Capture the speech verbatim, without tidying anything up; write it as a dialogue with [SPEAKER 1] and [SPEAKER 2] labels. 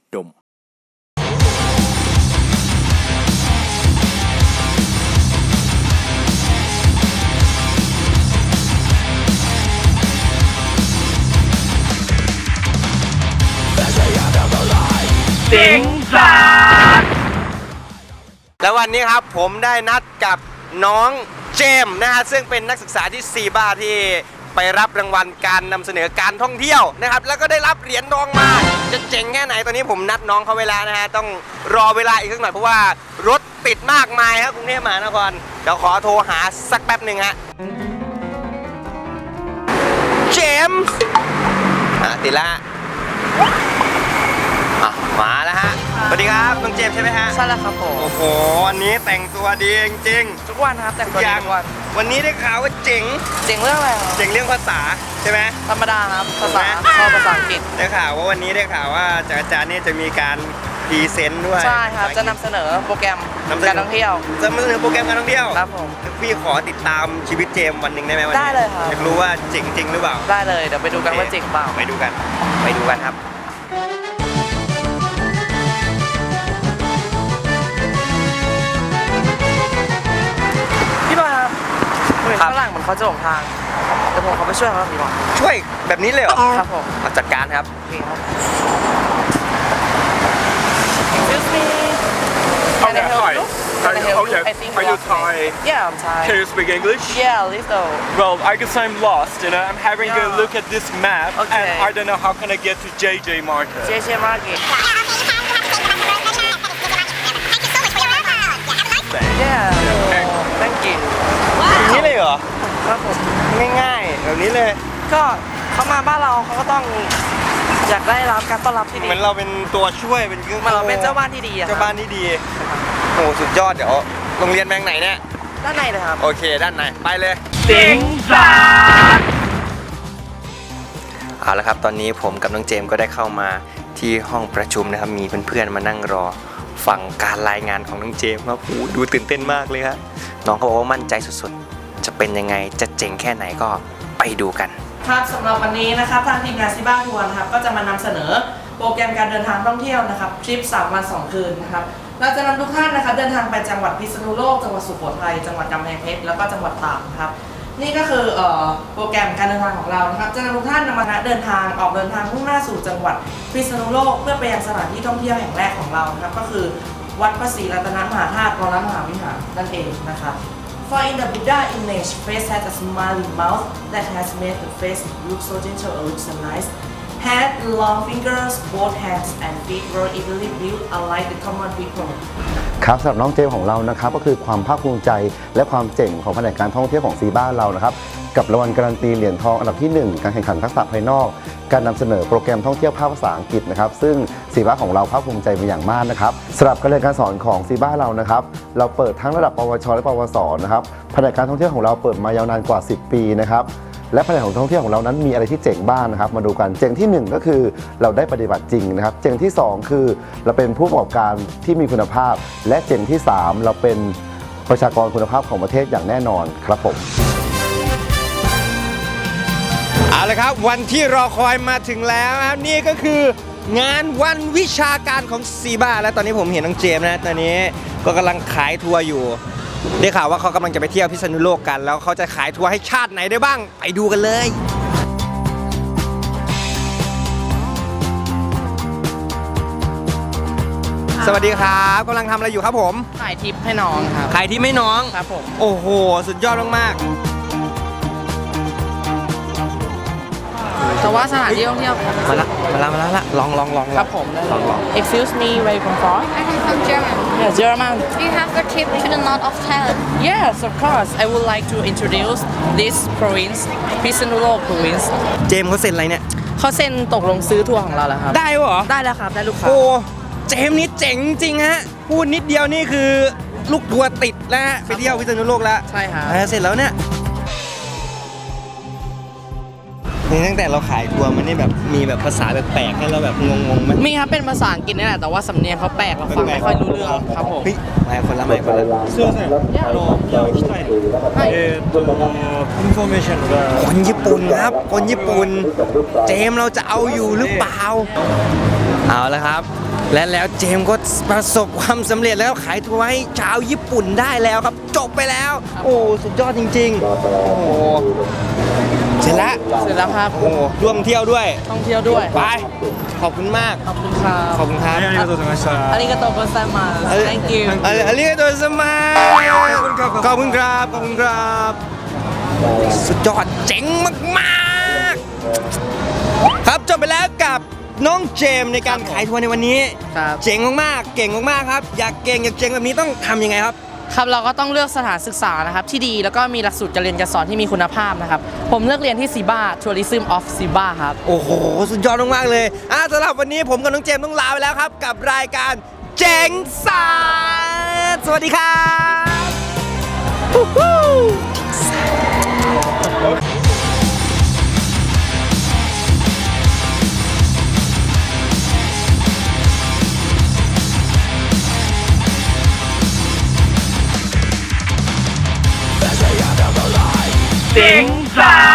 [SPEAKER 1] ดม
[SPEAKER 2] เจ๋งสัสแล้ววันนี้ครับผมได้นัดกับน้องเจมส์นะฮะซึ่งเป็นนักศึกษาที่ซีบ้าที่ไปรับรางวัลการนำเสนอการท่องเที่ยวนะครับแล้วก็ได้รับเหรียญทองมาจะเจ๋งแค่ไหนตอนนี้ผมนัดน้องเขาเวลานะฮะต้องรอเวลาอีกสักหน่อยเพราะว่ารถติดมากมายครับกรุงเทพมหานครเดี๋ยวขอโทรหาสักแป๊บหนึ่งฮะเจมส์อ่ะติดละมาแล้วฮะสวัสดีครับน้องเจมส์ใช่ไหมฮะ
[SPEAKER 3] ใช่แล้วครับผม
[SPEAKER 2] โอ้โหวันนี้แต่งตัวดีจริง
[SPEAKER 3] ทุกวันครับแต่งตัวดีทุกวัน
[SPEAKER 2] วันนี้ได้ข่าวว่าเจ๋ง
[SPEAKER 3] เจ๋งเรื่องอะไรครับ
[SPEAKER 2] เจ๋งเรื่องภาษาใช่ไหม
[SPEAKER 3] ธรรมดาครับภาษาชอบภาษาอังกฤษ
[SPEAKER 2] ได้ข่าวว่าวันนี้ได้ข่าวว่าจากอาจารย์นี่จะมีการพรีเซนต์ด้วย
[SPEAKER 3] ใช่ครับจะนำเสนอโปรแกรมการท่องเที่ยว
[SPEAKER 2] จะนำเสนอโปรแกรมการท่องเที่ยว
[SPEAKER 3] ครับผม
[SPEAKER 2] พี่ขอติดตามชีวิตเจมส์วันหนึ่งได้ไหมวันนี้
[SPEAKER 3] ได้เลยครับ
[SPEAKER 2] อยากรู้ว่าเจ๋งจริงหรือเปล่า
[SPEAKER 3] ได้เลยเดี๋ยวไปดูกันว่าเจ๋งเปล่า
[SPEAKER 2] ไปดูกันไปดูกันครับ
[SPEAKER 3] ฝรั่งเหมือนเขาจะหลงทางเดี๋ยวผมเขาไปช่วยเขาดีกว่า
[SPEAKER 2] ช่วยแบบนี้เลยเหรอ
[SPEAKER 3] ครับผม
[SPEAKER 2] จัดการครับ
[SPEAKER 3] Excuse me
[SPEAKER 4] Can I help you? Can I help you? Are you Thai?
[SPEAKER 3] Yeah, I'm Thai.
[SPEAKER 4] Can you speak English?
[SPEAKER 3] Yeah, little.
[SPEAKER 4] Well, I guess I'm lost. You know, I'm having a look at this map, and I don't know how can I get to J J Market.
[SPEAKER 3] J J Market. Yeah. Thank you.
[SPEAKER 2] อย่างนี้เลยเหรอ
[SPEAKER 3] ครับผม
[SPEAKER 2] ง่ายๆแบบนี้เลย
[SPEAKER 3] ก็เขามาบ้านเราเขาก็ต้องอยากได้รับการต้อนรับที่ดี
[SPEAKER 2] เหมือนเราเป็นตัวช่วยเป็นเครื่อง
[SPEAKER 3] เหมือนเราเป็นเจ้าบ้านที่ดีอะ
[SPEAKER 2] เจ้าบ้านที่ดีโอ้สุดยอดเดี๋ยวโรงเรียนแบงค์ไหนเนี่ย
[SPEAKER 3] ด้านในเลยครับ
[SPEAKER 2] โอเคด้านในไปเลย
[SPEAKER 1] เจ๋งสัส
[SPEAKER 2] เอาละครับตอนนี้ผมกับน้องเจมส์ก็ได้เข้ามาที่ห้องประชุมนะครับมีเพื่อนๆมานั่งรอฟังการรายงานของน้องเจมส์ครับโอ้ดูตื่นเต้นมากเลยครับน้องเขาบอกว่ามั่นใจสุดๆจะเป็นยังไงจะเจ๋งแค่ไหนก็ไปดูกัน
[SPEAKER 3] ครับสำหรับวันนี้นะครับทางทีมงานซิบ้าทัวร์นะครับก็จะมานำเสนอโปรแกรมการเดินทางท่องเที่ยวนะครับทริปสามวันสองคืนนะครับเราจะนำทุกท่านนะครับเดินทางไปจังหวัดพิษณุโลกจังหวัดสุโขทัยจังหวัดกำแพงเพชรแล้วก็จังหวัดตากนะครับนี่ก็คือเอ่อโปรแกรมการเดินทางของเรานะครับจะนำทุกท่านนำมาเดินทางออกเดินทางมุ่งหน้าสู่จังหวัดพิษณุโลกเพื่อไปยังสถานที่ท่องเที่ยวแห่งแรกของเรานะครับก็คือวัดพระศรีรัตนมหาธาตุวรมหาวิหารนั่นเองนะครับ For in the Buddha image, face has a smiling mouth that has made the face look so gentle and look so nice. Had long fingers, both hands and feet were evenly built unlike the common people.
[SPEAKER 5] ครับสำหรับน้องเจมของเรานะครับก็คือความภาคภูมิใจและความเจ๋งของแผนกการท่องเที่ยวของซีบ้าเรานะครับกับรางวัลการันตีเหรียญทองอันดับที่หนึ่งการแข่งขันทักษะภายนอกการนำเสนอโปรแกรมท่องเที่ยวภาคภาษาอังกฤษนะครับซึ่งซีบ้าของเราภาคภูมิใจเป็นอย่างมากนะครับสำหรับการเรียนการสอนของซีบ้าเรานะครับเราเปิดทั้งระดับปวชและปวสนะครับแผนกการท่องเที่ยวของเราเปิดมายาวนานกว่าสิบปีนะครับและแผนกของท่องเที่ยวของเรานั้นมีอะไรที่เจ๋งบ้างนะครับมาดูกันเจ๋งที่หนึ่งก็คือเราได้ปฏิบัติจริงนะครับเจ๋งที่สองคือเราเป็นผู้ประกอบการที่มีคุณภาพและเจ๋งที่สามเราเป็นประชากรคุณภาพของประเทศอย่างแน่นอนครับผม
[SPEAKER 2] เอาละครับวันที่รอคอยมาถึงแล้วครับนี่ก็คืองานวันวิชาการของซีบ้าและตอนนี้ผมเห็นน้องเจมส์นะตอนนี้ก็กำลังขายทัวร์อยู่ได้ข่าวว่าเขากำลังจะไปเที่ยวพิษณุโลกกันแล้วเขาจะขายทัวร์ให้ชาติไหนได้บ้างไปดูกันเลยสวัสดีครับกำลังทำอะไรอยู่ครับผม
[SPEAKER 3] ขายทิปให้น้องครับ
[SPEAKER 2] ขายทิปให้น้อง
[SPEAKER 3] ครับผม
[SPEAKER 2] โอ้โหสุดยอดมากๆ
[SPEAKER 3] แต่ว่าสถานที่ท่องเที่ยว
[SPEAKER 2] มาละมาละมาละลองลองลอง
[SPEAKER 3] ครับผม
[SPEAKER 2] ลองลอง
[SPEAKER 3] Excuse me where you come from
[SPEAKER 6] I come from German
[SPEAKER 3] Yeah German
[SPEAKER 6] Do you have the trip to the north of Thailand
[SPEAKER 3] Yes of course I would like to introduce this province พิษณุโลก province
[SPEAKER 2] เจมส์เขาเซ็นอะไรเนี่ย
[SPEAKER 3] เขาเซ็นตกลงซื้อทัวร์ของเราแล้วครับ
[SPEAKER 2] ได้เหรอ
[SPEAKER 3] ได้แล้วครับได้ลูกค้า
[SPEAKER 2] โอ้เจมส์นี่เจ๋งจริงฮะพูดนิดเดียวนี่คือลูกทัวร์ติดแล้วฮะไปเที่ยวพิษณุโลกแล้ว
[SPEAKER 3] ใช่ครับ
[SPEAKER 2] เสร็จแล้วเนี่ยโหนี่ตั้งแต่เราขายทัวร์มันนี่แบบมีแบบภาษาแปลกๆให้เราแบบงงๆไหม
[SPEAKER 3] มีครับเป็นภาษาอังกฤษนี่แหละแต่ว่าสำเนียงเขาแปลกเราฟังไม่ค่อยรู้เรื่องครับผม
[SPEAKER 2] เฮ้ยไม่คนละไม่คนละ
[SPEAKER 4] すいませんあのいや行きたいえーっとインフォメーションが
[SPEAKER 2] คนญี่ปุ่นครับ คนญี่ปุ่น เจมส์เราจะเอาอยู่หรือเปล่า เอาละครับ และแล้วเจมส์ก็ประสบความสำเร็จแล้วขายทัวร์ให้ชาวญี่ปุ่นได้แล้วครับ จบไปแล้ว โอ้สุดยอดจริงๆ โอ้โหเสร็จแล้ว
[SPEAKER 3] เสร็จแล้วครับ
[SPEAKER 2] โอ้ร่วมเที่ยวด้วย
[SPEAKER 3] ท่องเที่ยวด้วย
[SPEAKER 2] ไป ขอบคุณมาก
[SPEAKER 3] ขอบคุณครับ
[SPEAKER 2] ขอบคุณครับ
[SPEAKER 4] ありがとうございました
[SPEAKER 3] อาริกาโตโกไซมาส thank you
[SPEAKER 2] あありがとうございますขอบคุณครับ ขอบคุณครับ สุดยอดเจ๋งมากๆ ครับจบไปแล้วกับน้องเจมส์ในการขายทัวร์ในวันนี้
[SPEAKER 3] ครับ
[SPEAKER 2] เจ๋งมากๆ เก่งมากๆครับ อยากเก่งอยากเจ๋งแบบนี้ต้องทำยังไงครับ
[SPEAKER 3] ครับเราก็ต้องเลือกสถานศึกษานะครับที่ดีแล้วก็มีหลักสูตรการเรียนการสอนที่มีคุณภาพนะครับผมเลือกเรียนที่ซีบ้า Tourism of Siba ครับ
[SPEAKER 2] โอ้โห สุดยอดมากๆเลยอ่ะสำหรับวันนี้ผมกับน้องเจมส์ต้องลาไปแล้วครับ กับรายการเจ๋งศาสตร์สวัสดีครับฮู้ฮู้
[SPEAKER 1] สิงสา